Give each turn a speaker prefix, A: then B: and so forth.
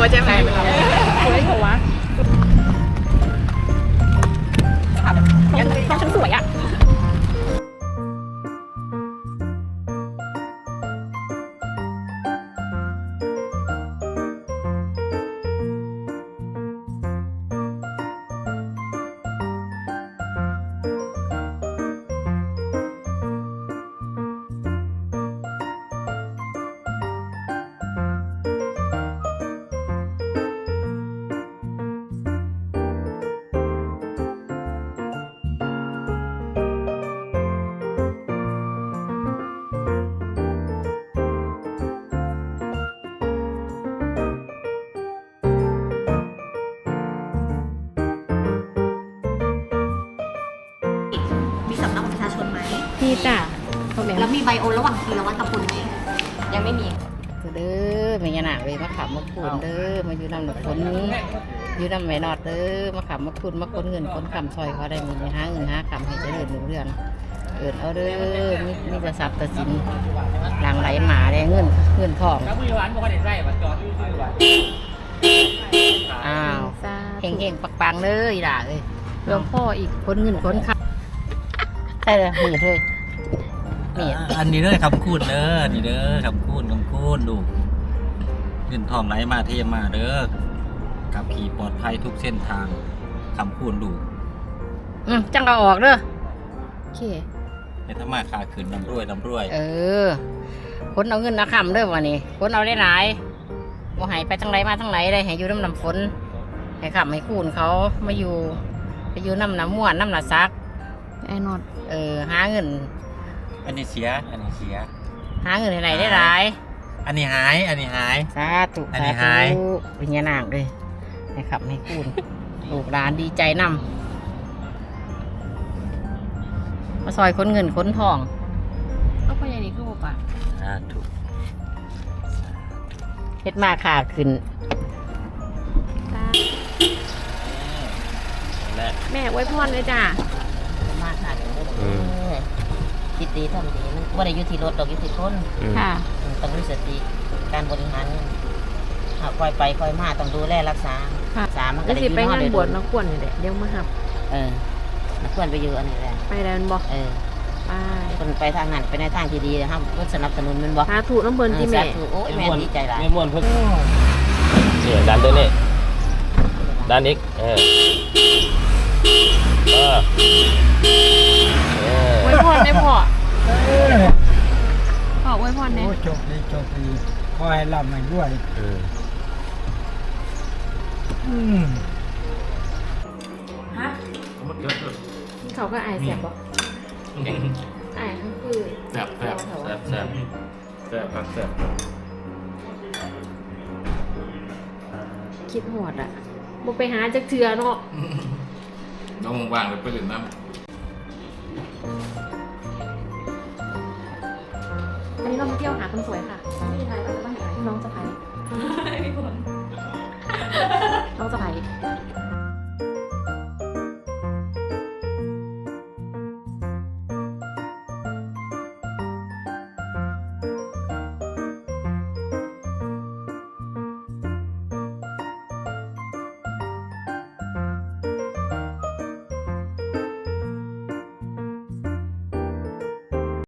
A: ใช่ไหมสวยหัวต้องฉันสวยอ่ะพี่จ้ะ
B: แล้วมีไบโอระหว่างทีละวัดตะพุนไหมยังไม่มี
C: เด้อไม่ยาหนาเลยมาขับมาคูนเด้อมาอยู่นำหนุกคนอยู่นำไม่นอดเด้อมาขับมาคูนมาคนเงินคนคำซอยเขาได้มีหาเงินหาคำให้เจริญรุ่งเรืองเกิดเอาเด้อมีแต่ทรัพย์แต่สินหลังไหลหมาได้เงินทองอ้าวเฮงปังๆเลยด่าเลยหลวงพ่ออีกคนเงินคนคำใช่เลยมีด้วย
D: อันนี้เด้อคำคูณเด้อนี่เด้อคำคูณดูเงินทองไหลมาเทมาเด้อขับขี่ปลอดภัยทุกเส้นทางคำคูณดู
C: จังเอาออกเด้อโอเค
D: ในธรรมะขาขึ้นนำรวย
C: คนเอาเงินเอาคำเด้อวันนี้คนเอาได้หลายว่าหายไปทั้งไรมาทั้งไหนได้ให้อยู่น้ำฝนให้ขับให้คูณเขามาอยู่ไปอยู่น้ำม่วนน้ำหนาซัก
A: ไอ้นอด
C: หาเงิน
D: อันนี้เสีย
C: หาเงินไหนได้หลาย
D: อันนี้หาย
C: สาธุเป็นยานางเลยให้ขับให้คูณลูกหลานดีใจนำมาซอยคนเงินคนทอง
A: เอาไปอย่างนี้คือป่ะ
D: ถูก
C: เฮ็ดมาขาขึ้น
A: แม่ไว้พรเลยจ้ะ
C: มาขาขึ้นคิดดีทำดีมันว่าได้ยุติรถดอกยุติทน
A: ค่ะ
C: ต้องมีสติการบริหารคอยไปคอยมาต้องดูแลรักษา
A: มันก็ได้ยืนไปงานบวชนักกวนนี่แหละเดี๋ยวมาหับ
C: นักกวนไปอยู่อันนี้แหละ
A: ไปแล้วบอก
C: ไปคนไปทางนั้นไปในทางที่ดีนะครับเพื่อสนับสนุนมันบอก
A: ถูกน้ำเบิร์นที่แม่
C: โอ้ยแม่ดีใจหลาย
D: ไม่ม่วนเพิ่งเนี่ยดันตัวนี้ดันอีก
A: ไว้พรได้พอขอไว้พรเนี่ย
E: จบดีขอให้ร่ำให้รวย
A: ฮะเขาก็อายเสียบบอกอายทั้งคือ
D: แซ่บ
A: คิดหอดอ่ะบุไปหาจักเทือเนาะ
D: น้องว่างเลยไปเล่นน้ำ
A: อันนี้เรามาเที่ยวหาคนสวยค่ะไม่ใช่ไทยเราจะมาหาน้องสะใภ้น้องสะใภ้